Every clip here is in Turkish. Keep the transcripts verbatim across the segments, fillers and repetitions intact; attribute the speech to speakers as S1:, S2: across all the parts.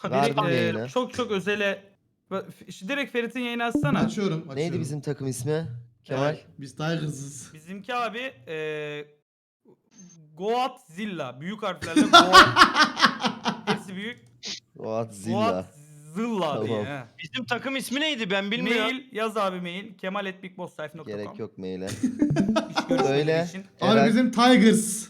S1: Verdim
S2: Biri, e,
S1: yayını.
S2: çok çok özele... Şu direkt Ferit'in yayını açsana.
S3: Açıyorum, açıyorum.
S1: Neydi bizim takım ismi? Kemal.
S3: Evet, biz Tigers'ız.
S2: Bizimki abi e, Goatzilla. Büyük harflerle Goat. Hepsi büyük.
S1: Goatzilla.
S2: Goatzilla diye.
S1: Tamam.
S2: he.
S4: Bizim takım ismi neydi ben bilmiyorum.
S2: Mail yaz abi mail. kemal at bigbosslife nokta com.
S1: Gerek yok maile.
S2: İş görüşmeleri
S1: Söyle.
S2: için.
S3: Abi
S1: Eren,
S3: bizim Tigers.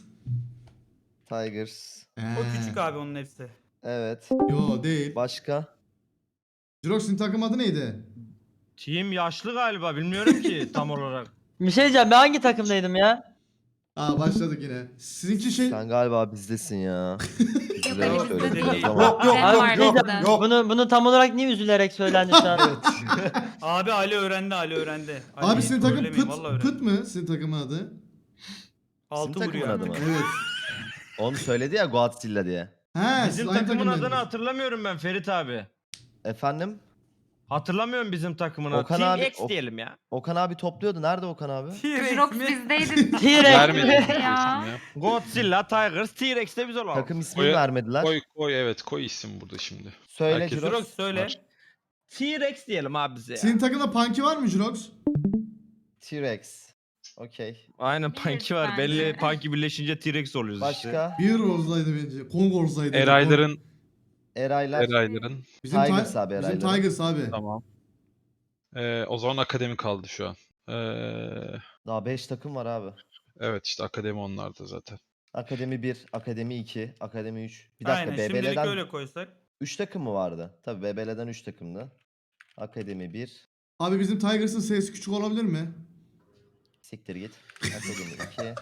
S1: Tigers.
S2: O küçük abi onun hepsi.
S1: Evet.
S3: Yo değil.
S1: Başka?
S3: Jirox'un takım adı neydi?
S4: Team yaşlı galiba bilmiyorum ki tam olarak.
S5: Bir şey diyeceğim, ben hangi takımdaydım ya?
S3: Aa başladık yine. Sizinki şey...
S1: Sen galiba bizdesin ya.
S6: Yok
S1: Üzülerek
S6: elimizde
S1: söyledim
S2: değil.
S6: değil.
S1: ama.
S2: Yok,
S6: yok,
S5: Abi,
S6: var
S5: bir şey
S6: bizde.
S5: diyeceğim, Bunu, bunu tam olarak niye üzülerek söylendi şu an?
S2: Abi Ali öğrendi Ali öğrendi. Ali,
S3: Abi senin takım
S2: trollemeyin,
S3: pıt,
S2: vallahi öğrendi.
S3: pıt mı? Senin takımın adı?
S2: Altı
S1: Bizim
S2: vuruyor.
S1: takımın adı mı?
S3: Evet.
S1: Onu söyledi ya Goatzilla diye.
S3: He,
S4: Bizim
S3: siz aynı
S4: takımın adını
S3: takımdaydınız.
S4: hatırlamıyorum ben Ferit abi.
S1: Efendim?
S4: Hatırlamıyorum bizim takımın adını.
S1: Okan
S4: Team
S1: abi-
S4: X
S1: Ok-
S4: diyelim ya.
S1: Okan abi topluyordu. Nerede Okan abi?
S2: T-Rex
S6: Jirox
S2: mi?
S6: bizdeydi.
S5: T-Rex
S7: Vermedim
S5: mi?
S7: isim
S6: Ya.
S7: ya.
S4: Godzilla, Tigers, T-Rex de biz olalım.
S1: Takım ismini
S7: Koy-
S1: vermediler.
S7: Koy koy evet koy isim burada şimdi.
S1: Söyle
S7: Herkes-
S1: Jirox.
S2: Jirox söyle.
S7: Var.
S4: T-Rex diyelim abi bize ya.
S3: Senin takımda Punky var mı Jirox?
S1: T-Rex. Okey.
S4: Aynen
S6: Biliriz
S4: Punky var.
S6: bence.
S4: Belli Punky birleşince T-Rex oluyoruz işte.
S1: Başka?
S3: Bir Rose'daydı bence. Kong Rose'daydı.
S7: Erayların
S1: Eraylar.
S7: Erayların.
S3: Bizim,
S1: Tigers
S3: Ti-
S1: abi,
S3: bizim
S1: Erayların.
S3: Tigers abi.
S7: Tamam. Ee, o zaman akademi kaldı şu an. Ee,
S1: Daha beş takım var abi.
S7: evet işte akademi onlarda zaten.
S1: Akademi bir, Akademi iki, Akademi üç. Bir dakika
S2: Aynen şimdilik
S1: B B L'den
S2: öyle koysak.
S1: üç takım mı vardı? Tabii B B L'den üç takımdı. Akademi bir.
S3: Abi bizim Tigers'ın sesi küçük olabilir mi?
S1: Siktir git. Akademi iki.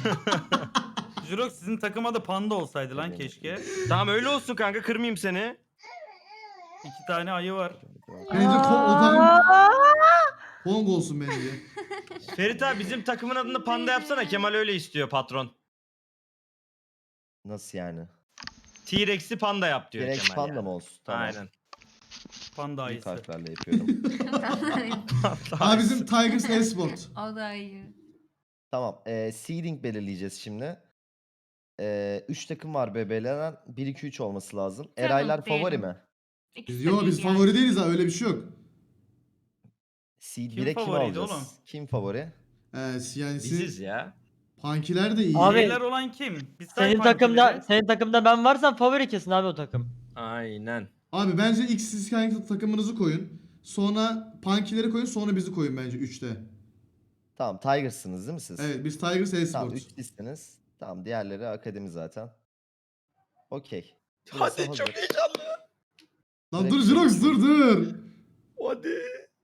S2: Jirox sizin takım adı Panda olsaydı lan
S1: Tabii.
S2: keşke.
S4: Tamam öyle olsun kanka kırmayayım seni.
S2: İki tane ayı var.
S3: Bence Kong, o takım Kong olsun bence.
S4: Ferit abi bizim takımın adını Panda yapsana. Kemal öyle istiyor patron.
S1: Nasıl yani?
S4: T-Rex'i Panda yap diyor
S1: Direkt
S4: Kemal
S1: panda
S4: yani.
S1: mı olsun? Tamam.
S4: Aynen.
S2: Panda
S1: Büyük
S2: ayısı.
S1: harflerle yapıyorum.
S3: Abi bizim Tigers Esport.
S6: O da iyi.
S1: Tamam. E, seeding belirleyeceğiz şimdi. E, üç takım var B B L'den. bir iki üç olması lazım.
S6: Tamam,
S1: Eraylar favori
S6: diyelim.
S1: mi?
S6: İkisi
S3: Biz,
S6: de
S3: yo
S6: değil
S3: biz
S6: yani.
S3: favori değiliz ha, öyle bir şey yok.
S1: Seed
S2: Kim
S1: bire kim
S2: favoriydi
S1: alacağız?
S2: oğlum?
S1: Kim favori?
S3: Ee, yani
S4: Biziz
S3: siz
S4: ya.
S3: Punky'ler de iyi.
S5: Abi-
S2: Beyler olan kim? Biz say
S5: Senin
S2: punky'leri.
S5: takımda, senin takımda ben varsam favori kesin abi o takım.
S4: Aynen.
S3: Abi bence ilk siz kendi takımınızı koyun. Sonra Punky'leri koyun, sonra bizi koyun bence üçte.
S1: Tamam Tigers'ınız değil mi siz?
S3: Evet, biz Tigers
S1: Tamam
S3: Esport.
S1: üç listeniz. Tamam diğerleri akademi zaten. Okey.
S4: Hadi
S1: Burası
S4: çok
S1: hazır.
S4: heyecanlı.
S3: Lan
S1: Direkt
S3: dur Jirox, dur dur.
S4: Hadi.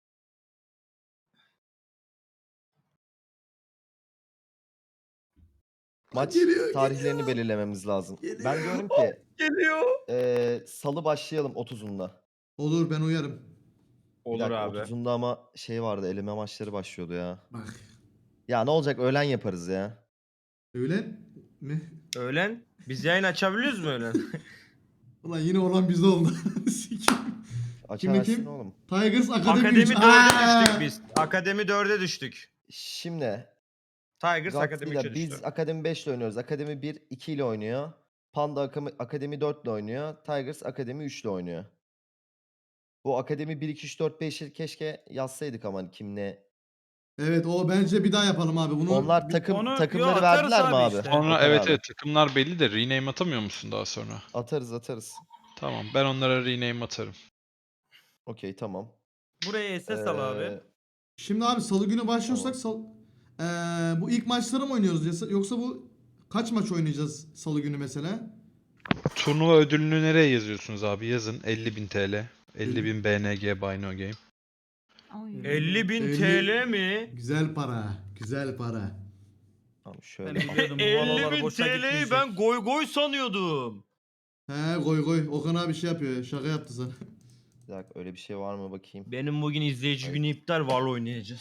S1: Maç
S3: Geliyor,
S1: tarihlerini
S3: geliyor.
S1: belirlememiz lazım.
S3: Geliyor.
S1: Ben diyorum ki
S4: Geliyor.
S1: eee salı başlayalım otuzunda.
S3: Olur, ben uyarım.
S1: Bir
S4: Olur
S1: dakika,
S4: abi.
S1: otuzunda ama şey vardı eleme maçları başlıyordu ya.
S3: Bak.
S1: Ya ne olacak öğlen yaparız ya.
S3: Öğlen mi?
S4: Öğlen. Biz yayın açabiliyoruz mu öğlen?
S3: Ulan yine olan bizde oldu. Sikeyim.
S1: Açarsın
S3: kim?
S1: oğlum.
S3: Tigers Akademi,
S4: Akademi
S3: üç.
S4: dörde
S3: Aa!
S4: düştük biz. Akademi dörde düştük.
S1: Şimdi
S4: Tigers Akademi
S1: Godzilla
S4: üçe düştü.
S1: biz Akademi beş ile oynuyoruz. Akademi bir iki ile oynuyor. Panda Akademi, Akademi dört ile oynuyor. Tigers Akademi üç ile oynuyor. Bu Akademi bir iki üç dört beşi keşke yazsaydık ama hani kim ne.
S3: Evet, o bence bir daha yapalım abi. Bunu
S1: Onlar
S3: bir-
S1: takım
S2: Onu- yo,
S1: takımları
S2: atarız
S1: verdiler mi
S2: abi
S1: abi?
S2: işte.
S7: Sonra
S1: Okan
S7: evet
S1: abi.
S7: evet takımlar belli de rename atamıyor musun daha sonra?
S1: Atarız atarız.
S7: Tamam ben onlara rename atarım.
S1: Okey tamam.
S2: Buraya S S al abi.
S1: Ee,
S3: Şimdi abi salı günü başlıyorsak sal... Ee, bu ilk maçları mı oynuyoruz yasa- yoksa bu kaç maç oynayacağız salı günü mesela?
S7: Turnuva ödülünü nereye yazıyorsunuz abi? Yazın elli bin T L. elli bin B N G Buy No Game.
S6: Oy.
S4: elli bin
S3: elli
S4: T L mi?
S3: Güzel para, güzel para.
S1: Tamam
S2: Ben
S1: şöyle.
S2: biliyordum bu
S4: elli
S2: valolar
S4: bin
S2: boşa
S4: T L'yi
S2: gitmeyecek.
S4: ben goy goy sanıyordum.
S3: He koy koy. Okan abi şey yapıyor. Şaka yaptı sana.
S1: Bir dakika öyle bir şey var mı bakayım.
S4: Benim bugün izleyici
S1: Hayır.
S4: günü iptal Valo oynayacağız.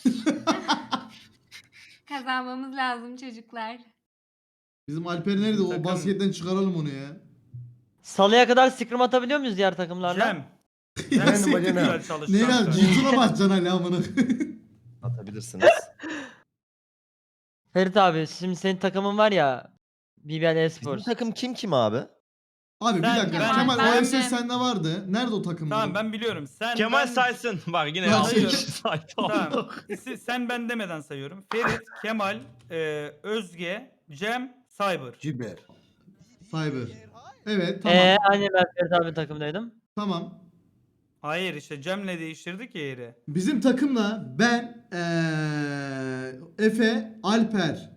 S6: Kazanmamız lazım çocuklar.
S3: Bizim Alper nerede? O
S2: Takım-
S3: basketten çıkaralım onu ya.
S5: Salıya kadar scrim atabiliyor muyuz diğer takımlarla?
S2: Cem. Cem
S1: Benim
S2: çok
S1: bacana.
S2: güzel
S3: Ne
S2: çalıştı.
S3: ya?
S2: kanka.
S3: Cintuna basacaksın hala amına.
S1: Atabilirsiniz.
S5: Ferit abi şimdi senin takımın var ya B B L
S1: Bizim
S5: Esports.
S1: takım kim kim abi?
S3: Abi bir
S2: Ben-
S3: dakika.
S6: ben-
S3: Kemal
S6: ben
S3: o S S
S6: de-
S3: sende vardı. Nerede o takım?
S2: Tamam ben biliyorum. Sen
S4: Kemal
S2: ben...
S4: saysın. Bak yine
S3: Ben
S4: altı
S3: sayıyorum.
S4: kişi saydı.
S2: Tamam. İsi- sen ben demeden sayıyorum. Ferit, Kemal, e, Özge, Cem, Cyber.
S8: Ciber.
S3: Cyber. Evet tamam.
S5: Eee hani ben Ferit abi takımdaydım.
S3: Tamam.
S2: Hayır işte Cem'le değiştirdik ya yeri.
S3: Bizim takımla ben eee Efe, Alper.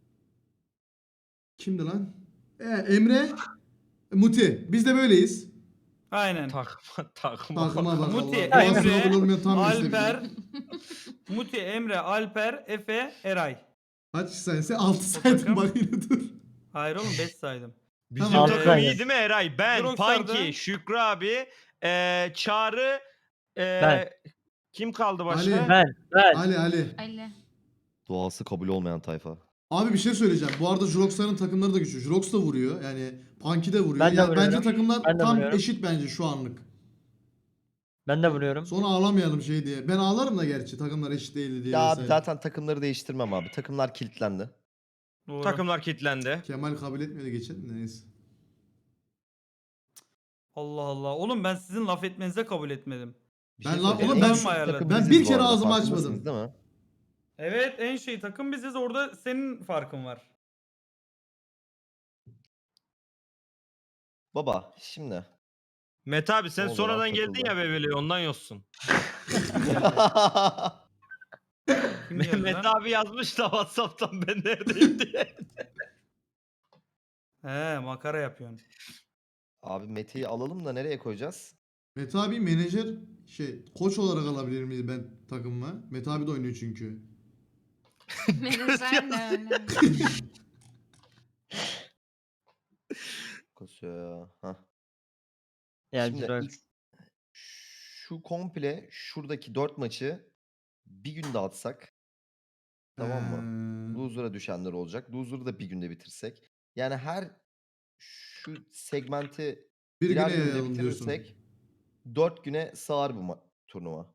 S3: Kimdi lan? Ee, Emre, Muti. Biz de böyleyiz.
S2: Aynen.
S4: Takma takma.
S3: Takıma bak
S2: Muti,
S3: Allah. Boğazına
S2: Emre,
S3: bulunmayan tam meslek.
S2: Alper, Muti, Emre, Alper, Efe, Eray.
S3: Kaç sayısı? altı saydım
S2: takım.
S3: bak yine dur.
S2: Hayır oğlum beş saydım.
S4: Bizim
S3: Tamam.
S4: takım
S5: Altı
S4: iyi
S5: tane.
S4: değil mi Eray? Ben,
S2: Droxar'da-
S4: Panki, Şükrü abi, eee Çağrı, eee
S5: Ben.
S4: kim kaldı başka?
S3: Ali.
S5: Ben. Ben.
S3: Ali Ali.
S6: Ali.
S1: Doğası kabul olmayan tayfa.
S3: Abi bir şey söyleyeceğim. Bu arada Jurox'ların takımları da güçlü. Jurox da vuruyor. Yani Punky de vuruyor.
S5: Ben de
S3: Yani bence
S5: vuruyorum.
S3: takımlar
S5: Ben de
S3: tam
S5: vuruyorum.
S3: eşit bence şu anlık.
S5: Ben de vuruyorum.
S3: Sonra ağlamayalım şey diye. Ben ağlarım da gerçi takımlar eşit değildi diye.
S1: Ya abi
S3: vesaire.
S1: zaten takımları değiştirmem abi. Takımlar kilitlendi.
S2: Doğru.
S4: Takımlar kilitlendi.
S3: Kemal kabul etmedi geçen de neyse.
S2: Allah Allah. Oğlum ben sizin laf etmenize kabul etmedim.
S1: Bir
S3: Ben
S1: şey
S3: lan-
S1: söyleyeceğim.
S3: oğlum
S1: En
S3: ben-
S1: şu
S2: ben
S1: takım
S3: bir
S1: biziz bu
S3: kere
S1: arada,
S3: ağzımı
S1: farkındasınız
S3: açmadım.
S1: değil mi?
S2: Evet en şey takım biziz orada senin farkın var.
S1: Baba şimdi.
S4: Mete abi sen
S1: O zaman
S4: sonradan geldin
S1: takıldı.
S4: ya Bebeli ondan yoksun.
S2: Kim geldi
S4: Mete
S2: lan?
S4: abi yazmış da Whatsapp'tan ben neredeyim diye.
S2: He makara yapıyorsun.
S1: Abi Mete'yi alalım da nereye koyacağız?
S3: Mete abi menajer şey koç olarak alabilir miyiz ben takımıma? Mete abi de oynuyor çünkü.
S6: Menajer de öyle.
S1: Kasıyor ya. Hah.
S5: Yani
S1: Şimdi
S5: Jirox.
S1: ilk- şu komple şuradaki dört maçı bir günde atsak. Tamam mı?
S3: Ee,
S1: Loser'a düşenler olacak. Loser'ı da bir günde bitirsek. Yani her şu segmenti
S3: bir
S1: birer
S3: güne
S1: günde
S3: yayalım diyorsun.
S1: bitirirsek dört güne sığar bu ma- turnuva.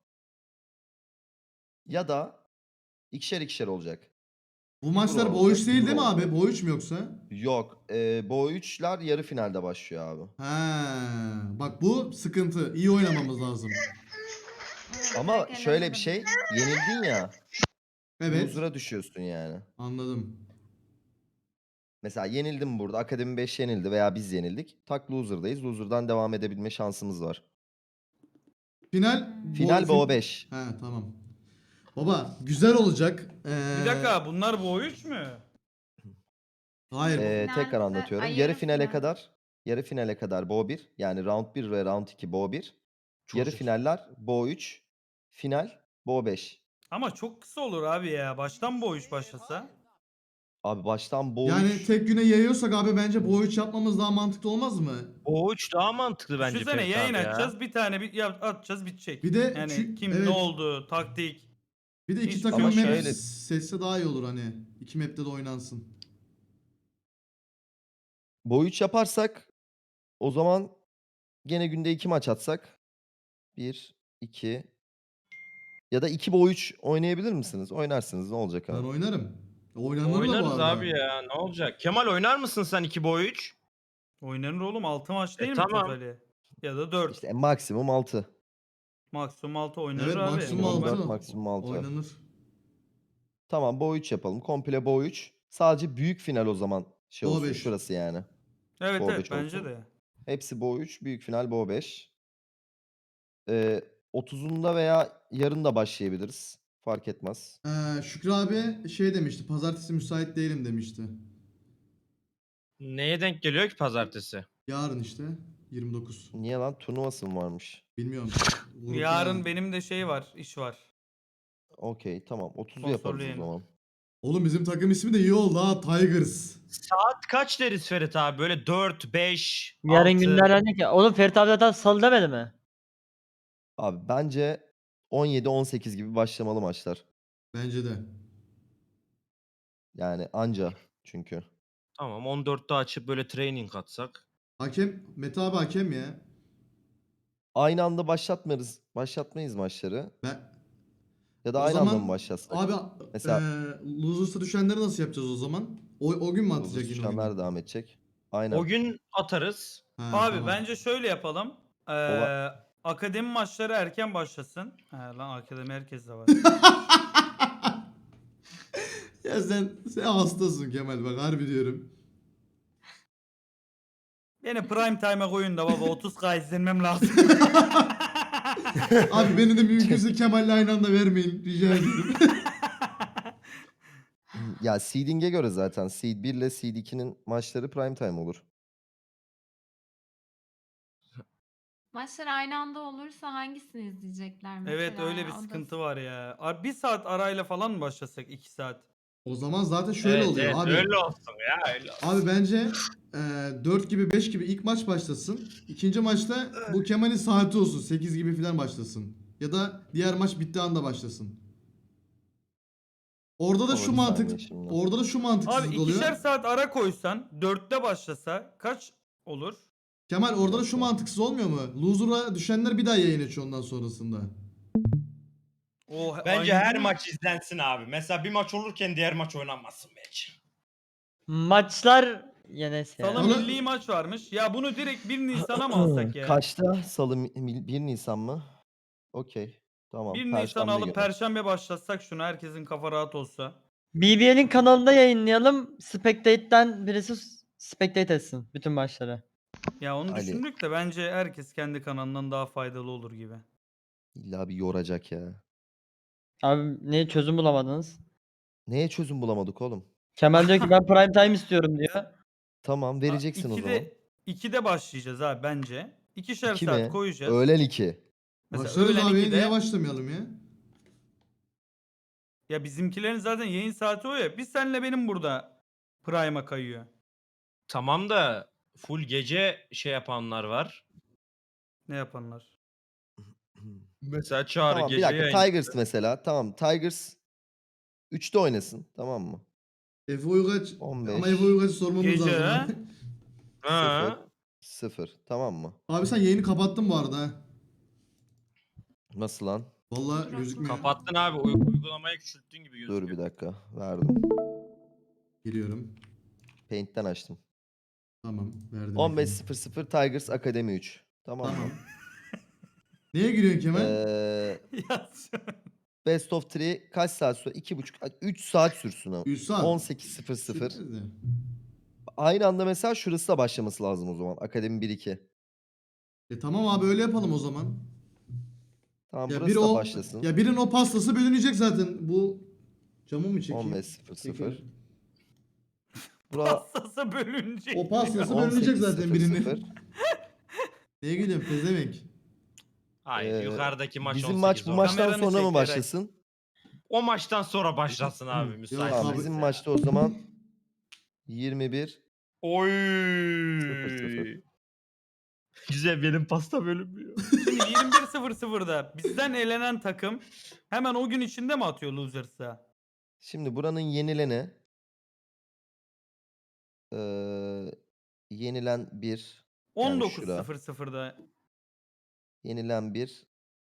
S1: Ya da ikişer ikişer olacak.
S3: Bu maçlar
S1: Euro
S3: Bo üç
S1: olacak,
S3: değil değil mi
S1: Euro
S3: abi?
S1: olacak.
S3: Bo üç mü yoksa?
S1: Yok. E, Bo üçler yarı finalde başlıyor abi.
S3: Ha, bak bu sıkıntı. İyi oynamamız lazım.
S1: Ama
S6: Pek
S1: şöyle bir
S6: eğlenemedim.
S1: şey. Yenildin ya.
S3: Evet.
S1: Loser'a düşüyorsun yani.
S3: Anladım.
S1: Mesela yenildim burada. Akademi beş yenildi veya biz yenildik. Tak loser'dayız. Loser'dan devam edebilme şansımız var.
S3: Final
S1: Final
S3: Bo-
S1: Bo beş.
S3: He tamam. Baba güzel olacak. Ee,
S2: Bir dakika bunlar bu üç mü?
S3: Hayır.
S1: Ee, tekrar
S6: Finalde-
S1: anlatıyorum.
S6: Ay,
S1: Yarı
S6: yarı
S1: finale
S6: final.
S1: kadar yarı finale kadar Bo bir. Yani round bir ve round iki Bo bir. Yarı
S8: Çocuk.
S1: finaller Bo üç. Final Bo beş.
S2: Ama çok kısa olur abi ya. Baştan bu üç başlasa.
S1: Abi baştan Bo
S3: Yani
S1: üç.
S3: tek güne yayıyorsak abi bence Bo üç yapmamız daha mantıklı olmaz mı?
S4: O üç daha mantıklı bence
S2: Düşünsene
S4: Ferit
S2: yayın
S4: abi ya.
S2: açacağız bir tane bir yap, atacağız bitecek.
S3: Bir de
S2: yani
S3: çü-
S2: kim
S3: evet.
S2: ne oldu taktik.
S3: Bir de iki
S2: Hiç-
S3: takım
S1: Ama
S3: map
S1: şöyle-
S3: seçse daha iyi olur hani. İki map'te de oynansın.
S1: Bo üç yaparsak o zaman gene günde iki maç atsak bir, iki ya da iki Bo üç oynayabilir misiniz? Oynarsınız ne olacak
S3: Ben
S1: abi?
S3: oynarım. Oynanır da bu
S4: Oynarız
S3: arada.
S4: abi ya ne olacak? Kemal oynar mısın sen iki boy üç?
S2: Oynanır oğlum altı maç değil mi
S4: tamam.
S2: totali? Ya da dört.
S1: İşte maksimum altı.
S2: Maksimum altı oynanır
S3: Evet
S2: abi.
S3: maksimum
S1: Normal,
S3: altı.
S1: maksimum altı.
S3: Oynanır.
S1: Tamam Bo üç yapalım. Komple Bo üç. Sadece büyük final o zaman şey
S3: Bo
S1: olsun
S3: beş.
S1: şurası yani.
S2: Evet
S1: Bo
S2: evet
S1: beş
S2: bence
S1: olsun.
S2: de.
S1: Hepsi Bo üç, büyük final Bo beş. Ee, otuzunda veya yarın da başlayabiliriz. Fark etmez.
S3: Ee, Şükrü abi şey demişti. Pazartesi müsait değilim demişti.
S4: Neye denk geliyor ki pazartesi?
S3: Yarın işte. yirmi dokuz.
S1: Niye lan? Turnuvası mı varmış?
S3: Bilmiyorum. Grupta
S2: Yarın
S3: yani.
S2: benim de şey var, iş var.
S1: Okey tamam. otuzu yaparız
S2: Sponsorlu
S1: o
S2: yayın.
S1: zaman.
S3: Oğlum bizim takım ismi de iyi oldu ha. Tigers.
S4: Saat kaç deriz Ferit abi? Böyle dört, beş,
S5: Yarın
S4: altı.
S5: günlerden ne ki? Oğlum Ferit abi zaten salı demedi mi?
S1: Abi bence on yedi on sekiz gibi başlamalı maçlar.
S3: Bence de.
S1: Yani anca çünkü.
S4: Tamam on dörtte açıp böyle training atsak.
S3: Hakem, Mete abi hakem ya.
S1: Aynı anda başlatmayız. Başlatmayız maçları.
S3: Ben
S1: Ya da
S3: O
S1: aynı anda
S3: zaman
S1: mı başlatsak?
S3: abi
S1: Mesela-
S3: eee losers'ı düşenleri nasıl yapacağız o zaman? O, o gün mü atacak
S1: Uzun
S3: yine o gün?
S1: düşenler devam edecek. Aynen.
S4: O gün atarız.
S3: Ha,
S2: Abi
S3: tamam.
S2: bence şöyle yapalım. Ee,
S1: Ola-
S2: akademi maçları erken başlasın. He lan akademi herkes de var.
S3: Ya sen, sen hastasın Kemal bak harbi diyorum.
S2: Beni prime time'a koyun da baba otuz K izlenmem lazım.
S3: Abi beni de mümkünse Kemal'le aynı anda vermeyin rica ediyorum.
S1: Ya seeding'e göre zaten seed bir ile seed ikinin maçları prime time olur.
S6: Maçlar aynı anda olursa hangisini izleyecekler mesela?
S2: Evet öyle bir
S6: O da-
S2: sıkıntı var ya. Ar- Bir saat arayla falan mı başlasak? iki saat.
S3: O zaman zaten şöyle
S4: Evet,
S3: oluyor
S4: evet,
S3: abi.
S4: öyle olsun ya öyle olsun.
S3: Abi bence e, dört gibi beş gibi ilk maç başlasın. İkinci maçta bu Kemal'in saati olsun. sekiz gibi falan başlasın. Ya da diğer maç bittiği anda başlasın. Orada da
S1: Ama
S3: şu
S1: bir
S3: mantık
S1: saniye şimdi.
S3: orada da şu
S2: Abi
S3: mantıksızlık oluyor.
S2: ikişer saat ara koysan dörtte başlasa kaç olur?
S3: Kemal orada da şu
S1: dakika.
S3: mantıksız olmuyor mu? Loser'a düşenler bir daha yayın açıyor ondan sonrasında.
S2: O
S4: Bence
S2: aynı
S4: her
S2: gün-
S4: maç izlensin abi. Mesela bir maç olurken diğer maç oynanmasın bence.
S5: Maçlar ya neyse ya.
S2: Salı
S3: Onu-
S2: milli maç varmış. Ya bunu direkt bir Nisan'a mı alsak ya?
S1: Kaçta? Salı mi- mi- bir Nisan mı? Okey. Tamam.
S2: bir Nisan
S1: Perşembe
S2: alıp
S1: günü.
S2: Perşembe başlatsak şunu herkesin kafa rahat olsa.
S5: B B L'in kanalında yayınlayalım. Spectate'den birisi s- spectate etsin bütün maçları.
S2: Ya onu
S1: Ali.
S2: düşündük de bence herkes kendi kanalından daha faydalı olur gibi.
S1: İlla bir yoracak ya.
S5: Abi niye çözüm bulamadınız?
S1: Neye çözüm bulamadık oğlum?
S5: Kemal diyor ki ben prime time istiyorum diyor.
S1: Tamam vereceksin o zaman.
S2: ikide, ikide başlayacağız abi bence. İkişer
S1: İki
S2: saat
S1: mi?
S2: koyacağız.
S1: Öğlen iki.
S2: Mesela
S3: Başlarız
S2: öğlen
S3: abi
S2: ikide,
S3: niye başlamayalım ya?
S2: ya bizimkilerin zaten yayın saati o ya. Biz senle benim burada prime'a kayıyor.
S4: Tamam da full gece şey yapanlar var.
S2: Ne yapanlar?
S4: Mesela Çağrı
S1: Tamam bir
S4: gece
S1: dakika.
S4: yayın.
S1: Tigers mesela. Tamam Tigers üçte oynasın. Tamam mı?
S3: Efe Uygaç
S1: on beş.
S3: ama Efe Uygaç'ı sormamız
S2: Gece,
S3: lazım.
S2: ha?
S3: abi.
S4: Ha.
S1: sıfır. Tamam mı?
S3: Abi sen yayını kapattın bu arada ha.
S1: Nasıl lan?
S3: Vallahi
S6: Dur,
S3: gözükmüyor.
S4: Kapattın abi. uy- uygulamayı küçülttün gibi gözüküyor.
S1: Dur bir dakika. Verdim.
S3: Geliyorum.
S1: Paint'ten açtım.
S3: Tamam verdim.
S1: on beş
S3: efendim.
S1: sıfır sıfır Tigers Akademi üç. Tamam
S3: Tamam.
S1: mı?
S3: Neye giriyorsun Kemal?
S1: Ee,
S2: Ya,
S1: Best of üç kaç saat sürer? iki buçuk üç saat sürsün ama.
S3: üç saat.
S1: on sekiz sıfır sıfır.
S3: Sürpriz de.
S1: Aynı anda mesela şurası da başlaması lazım o zaman. Akademi bir iki.
S3: E tamam abi öyle yapalım o zaman.
S1: Tamam
S3: Ya
S1: burası
S3: bir
S1: da
S3: o
S1: başlasın.
S3: ya birinin o pastası bölünecek zaten. Bu camı mı çekeyim?
S1: on beş sıfır sıfır.
S3: Çekelim.
S1: Bura
S2: pastası bölünecek.
S3: O pastası
S1: on
S3: bölünecek
S1: sekiz
S3: zaten
S1: sıfır
S3: birinin.
S1: sıfır.
S3: Neye gidiyorsun pezevenk?
S4: Hayır
S1: Ee,
S4: yukarıdaki maç
S1: Bizim
S4: on sekiz
S1: maç bu
S4: oldu.
S1: maçtan
S2: Kameranı
S1: sonra mı
S2: çek, Eray.
S1: başlasın?
S4: O maçtan sonra başlasın abi
S3: Yok
S4: müsait.
S1: Tamam
S3: abi.
S1: bizim maçta o zaman yirmi bir
S4: Oy.
S1: sıfır sıfır.
S4: Güzel benim pasta bölünmüyor.
S2: Şimdi yirmi bir sıfır sıfırda bizden elenen takım hemen o gün içinde mi atıyor Losers'a?
S1: Şimdi buranın yenileni eee yenilen bir yani
S2: on dokuz
S1: şura.
S2: sıfır sıfırda
S1: Yenilen bir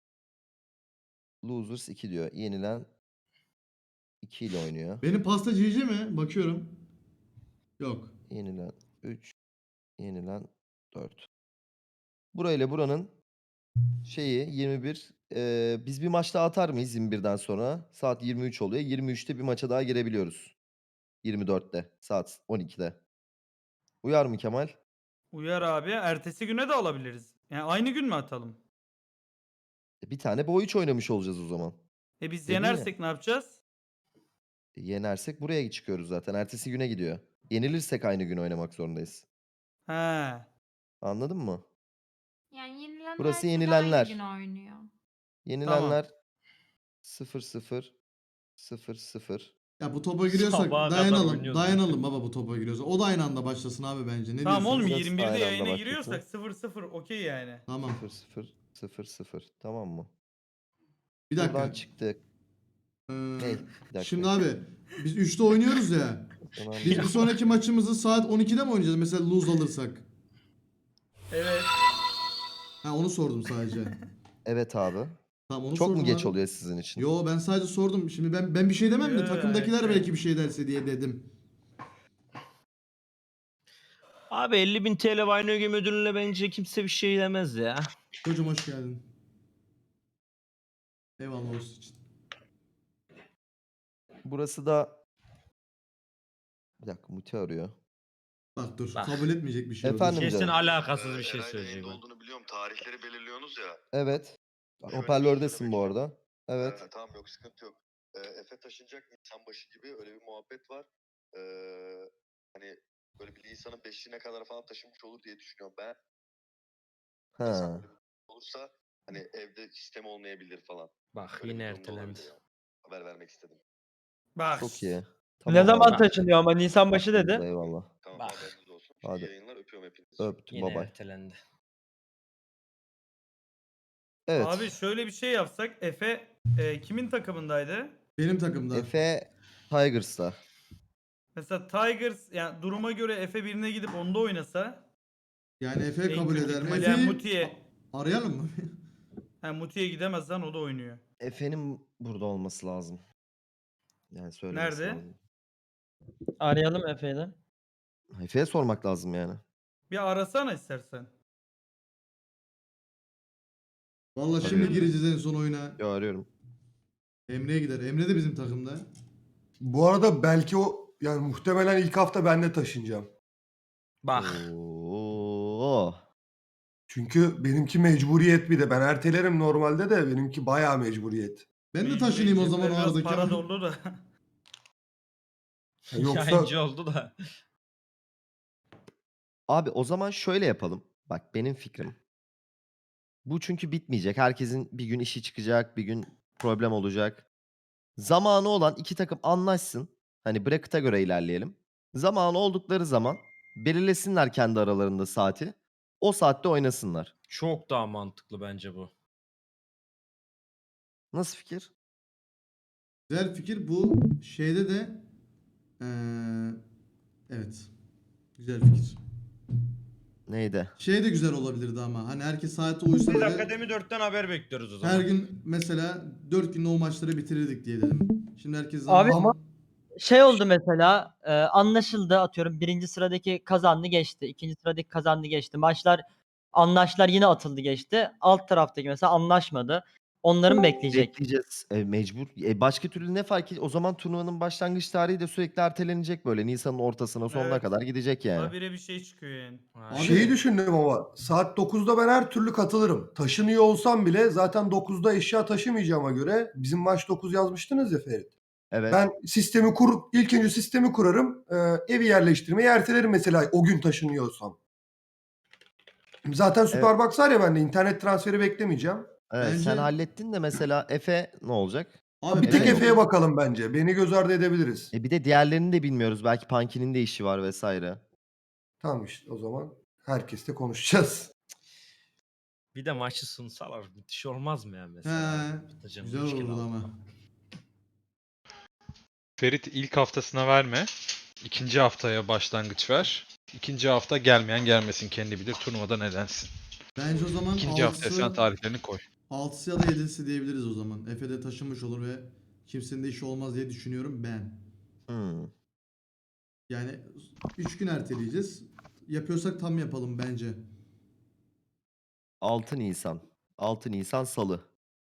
S1: Losers iki diyor. Yenilen iki ile oynuyor.
S3: Benim pasta cici mi? Bakıyorum. Yok.
S1: Yenilen üç. Yenilen dört. Burayla buranın şeyi yirmi bir. eee, biz bir maç daha atar mıyız yirmi birden sonra? Saat yirmi üç oluyor. yirmi üçte bir maça daha girebiliyoruz. yirmi dörtte. Saat on ikide. Uyar mı Kemal?
S2: uyar abi. Ertesi güne de alabiliriz. Yani aynı gün mü atalım?
S1: E, Bir tane boy üç oynamış olacağız o zaman.
S2: E biz
S1: Dedin ya.
S2: yenersek ne yapacağız?
S1: E, Yenersek buraya çıkıyoruz zaten. Ertesi güne gidiyor. Yenilirsek aynı gün oynamak zorundayız.
S2: He.
S1: Anladın mı?
S6: Yani yenilenler
S1: Burası
S6: siz de
S1: yenilenler.
S6: aynı gün oynuyor.
S1: Yenilenler sıfır sıfır sıfır sıfır.
S3: Ya bu topa giriyorsak
S4: Sabaha kadar
S3: dayanalım.
S4: oynuyoruz.
S3: Dayanalım baba bu topa giriyorsa. O da aynı anda başlasın abi bence. Ne
S2: Tamam oğlum
S3: diyorsunuz?
S1: Burası
S2: yirmi birde
S1: aynı anda
S2: yayına
S1: başlasın.
S2: giriyorsak sıfır sıfır okey yani.
S3: Tamam.
S1: sıfır sıfır sıfır sıfır. Tamam mı?
S3: Bir
S1: Buradan
S3: dakika.
S1: çıktık.
S3: Ee,
S1: Ne? Bir dakika.
S3: Şimdi abi biz üçte oynuyoruz ya.
S1: Tamam.
S3: Biz bir sonraki maçımızı saat on ikide mi oynayacağız mesela lose alırsak?
S2: Evet.
S3: Ha onu sordum sadece.
S1: Evet abi.
S3: Tamam onu
S1: Çok
S3: sordum
S1: mu geç
S3: abi.
S1: oluyor sizin için?
S3: Yo ben sadece sordum. Şimdi ben ben bir şey demem de
S2: Yo,
S3: takımdakiler
S2: evet,
S3: belki
S2: evet.
S3: bir şey derse diye dedim.
S4: Abi elli bin T L Vayno Game ödülüne bence kimse bir şey demez ya.
S3: Çocuğum hoş geldin. Eyvallah olsun için.
S1: Burası da bir dakika Muti arıyor.
S3: Bak dur
S4: Bak.
S3: kabul etmeyecek bir şey o, dur.
S1: Efendim
S4: Kesin
S1: canım.
S4: alakasız
S8: Ee,
S4: bir şey
S8: Eray'da
S4: söyleyecek.
S8: yayında
S4: bak.
S8: olduğunu biliyorum. Tarihleri belirliyorsunuz ya.
S1: Evet.
S8: Şöyle bir şey
S1: Hoparlördesin
S8: söylemek
S1: bu
S8: istiyorum.
S1: arada. Evet.
S8: Ee, tamam yok sıkıntı yok. Ee, Efe taşınacak Nisan başı gibi öyle bir muhabbet var. Ee, hani böyle bir Nisan'ın beşine kadar falan taşınmış olur diye düşünüyorum ben. Nisan
S1: Ha.
S8: böyle bir olursa hani evde sistem olmayabilir falan.
S4: Bak
S8: Böyle
S4: yine
S8: bir durum da
S4: ertelendi.
S8: olabilir yani. Haber vermek istedim.
S2: Bak.
S1: Çok iyi.
S5: Ne
S1: Tamam
S5: zaman
S1: abi.
S5: taşınıyor ama Nisan başı
S1: Haklısınız,
S5: dedi.
S1: eyvallah.
S8: Tamam
S4: Bak.
S8: haberiniz olsun. İyi
S1: Hadi.
S8: yayınlar öpüyorum hepinizi.
S1: Öptüm
S4: Yine
S1: babay.
S4: ertelendi.
S1: Evet.
S2: Abi şöyle bir şey yapsak. Efe e, kimin takımındaydı?
S3: Benim takımda.
S1: Efe Tigers'ta.
S2: Mesela Tigers yani duruma göre Efe birine gidip onda oynasa.
S3: Yani Efe
S2: en
S3: kabul
S2: kötü
S3: eder mi?
S2: ihtimalle yani
S3: Efe'yi
S2: Muti'ye.
S3: arayalım mı?
S2: Ha, Muti'ye gidemez lan o da oynuyor.
S1: Efe'nin burada olması lazım. Yani söylemesi
S2: Nerede?
S1: lazım.
S5: Arayalım Efe'yi de.
S1: Efe'ye sormak lazım yani.
S2: Bir arasana istersen.
S3: Valla şimdi
S2: Arayalım mı?
S3: gireceğiz en son oyuna.
S1: Yo arıyorum.
S3: Emre'ye gider. Emre de bizim takımda.
S9: Bu arada belki o yani muhtemelen ilk hafta ben de taşınacağım.
S4: Bak.
S1: Oo.
S9: Çünkü benimki mecburiyet bir de. Ben ertelerim normalde de benimki bayağı mecburiyet.
S3: Ben de
S2: Mecburi
S3: taşınayım o
S2: cepler
S3: zaman o
S2: biraz
S3: arada.
S2: para
S3: Kemal.
S2: dolu da.
S9: Ya yoksa
S4: Yayıncı oldu da.
S1: Abi o zaman şöyle yapalım. Bak benim fikrim. Bu çünkü bitmeyecek. Herkesin bir gün işi çıkacak, bir gün problem olacak. Zamanı olan iki takım anlaşsın. Hani bracket'a göre ilerleyelim. Zamanı oldukları zaman belirlesinler kendi aralarında saati. O saatte oynasınlar.
S4: Çok daha mantıklı bence bu.
S1: Nasıl fikir?
S3: Güzel fikir. Bu şeyde de eee, evet. Güzel fikir.
S1: Neydi?
S3: Şey de güzel olabilirdi ama hani herkes saate uysa
S4: Biz
S3: böyle
S4: Akademi dörtten haber bekliyoruz o zaman.
S3: her gün mesela dört günde o maçları bitirirdik diye dedim. Şimdi herkes
S5: Abi
S3: zaman...
S5: ama şey oldu mesela e, anlaşıldı atıyorum birinci sıradaki kazandı geçti. İkinci sıradaki kazandı geçti. Maçlar anlaşlar yine atıldı geçti. Alt taraftaki mesela anlaşmadı. Onların bekleyecek.
S1: Bekleyeceğiz. E, mecbur. E, başka türlü ne fark ediyor? O zaman turnuvanın başlangıç tarihi de sürekli ertelenecek böyle. Nisan'ın ortasına sonuna
S2: Evet.
S1: kadar gidecek yani.
S2: Habire bir şey çıkıyor yani.
S4: Ha.
S3: Abi-
S9: şeyi düşündüm ama saat dokuzda ben her türlü katılırım. Taşınıyor olsam bile zaten dokuzda eşya taşımayacağıma göre bizim maç dokuz yazmıştınız ya Ferit.
S1: Evet.
S9: Ben sistemi kur, ilk önce sistemi kurarım. e, evi yerleştirmeyi ertelerim mesela o gün taşınıyorsam. Zaten Superbox var ya bende internet transferi beklemeyeceğim.
S1: Evet, sen
S3: Bence-
S1: hallettin de mesela Efe ne olacak?
S3: Abi
S9: Bir tek
S1: Evet.
S9: Efe'ye bakalım bence. Beni göz ardı edebiliriz.
S1: E bir de diğerlerini de bilmiyoruz. Belki Punky'nin de işi var vesaire.
S9: Tamam işte o zaman herkesle konuşacağız.
S4: Bir de maçı sunsalar müthiş olmaz mı yani mesela?
S3: He,
S4: Tutacağım
S3: güzel
S4: üç kilo
S3: olurdu
S4: aldım.
S3: ama.
S7: Ferit ilk haftasına verme. İkinci haftaya başlangıç ver. İkinci hafta gelmeyen gelmesin, kendi bilir turnuvada nedensin.
S3: Bence o zaman
S7: İkinci haftaya sen
S3: altısı,
S7: tarihlerini koy.
S3: altısı ya da yedisi diyebiliriz o zaman. Efe de taşınmış olur ve kimsenin de işi olmaz diye düşünüyorum ben.
S1: Hmm.
S3: Yani üç gün erteleyeceğiz. Yapıyorsak tam yapalım bence.
S1: altı Nisan. altı Nisan Salı.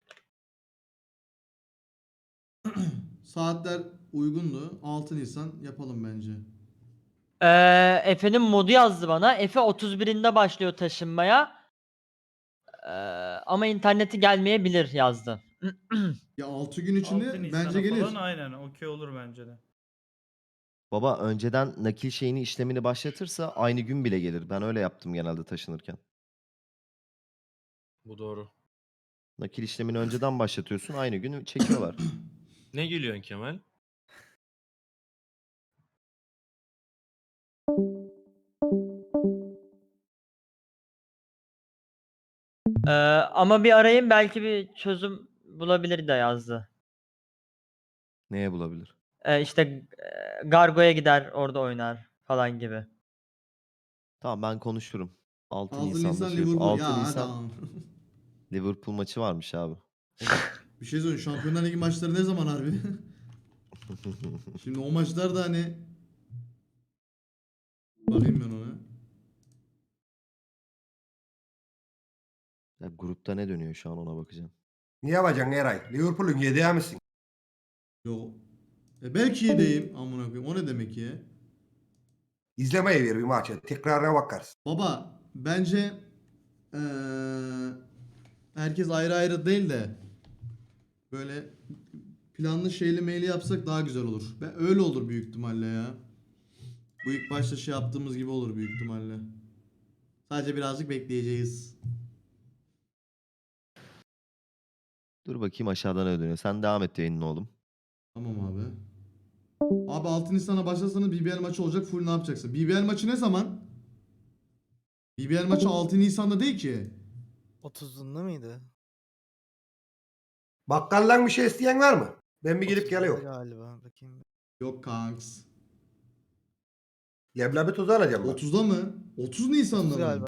S3: Saatler uygundu. altı Nisan yapalım bence.
S5: Ee, Efe'nin modu yazdı bana. Efe otuz birinde başlıyor taşınmaya. Ee, ama interneti gelmeyebilir yazdı.
S3: Ya altı gün içinde
S2: altı Nisan'a
S3: bence gelir.
S2: falan aynen okey olur bence de.
S1: Baba önceden nakil şeyini işlemini başlatırsa aynı gün bile gelir. Ben öyle yaptım genelde taşınırken.
S4: Bu doğru.
S1: Nakil işlemini önceden başlatıyorsun. Aynı gün çekiyorlar.
S4: Ne gülüyorsun Kemal?
S5: Ee, ama bir arayayım belki bir çözüm bulabilir de yazdı.
S1: Neye bulabilir?
S5: Ee, işte e, Gargo'ya gider orada oynar falan gibi.
S1: Tamam ben konuşurum. altı,
S3: altı
S1: Nisan'da
S3: Nisan
S1: şey yapalım.
S3: Liverpool.
S1: altı
S3: Ya
S1: Nisan
S3: tamam.
S1: Liverpool maçı varmış abi.
S3: Bir şey söyleyeyim. Şampiyonlar Ligi maçları ne zaman harbi? Şimdi o maçlar da hani bakayım ben ona.
S1: Ya grupta ne dönüyor şu an ona bakacağım.
S9: Ne yapacaksın Eray? Liverpool'un yedeği misin?
S3: Yo. E belki yedeyim. Amına koyayım. O ne demek ya?
S9: İzlemeye ver bir maçı. Tekrarına bakarsın.
S3: Baba bence eee, herkes ayrı ayrı değil de böyle planlı şeyli meyli yapsak daha güzel olur. Ben öyle olur büyük ihtimalle ya. Bu ilk başta şey yaptığımız gibi olur büyük ihtimalle. Sadece birazcık bekleyeceğiz.
S1: Dur bakayım aşağıdan ne dönüyor. Sen devam et yayının oğlum.
S3: Tamam abi. Abi altı Nisan'a başlasanız B B L maçı olacak. Full ne yapacaksın? B B L maçı ne zaman? B B L maçı altı Nisan'da değil ki.
S10: otuzunda mıydı?
S9: Bakkaldan bir şey isteyen var mı? Ben bir gidip
S10: otuzunda
S9: geliyorum.
S10: Galiba bakayım.
S3: Yok kanks.
S9: Leblebi tozu alacağım ben.
S3: otuzda mı? otuz Nisan'da
S10: otuz
S3: mı?
S10: galiba.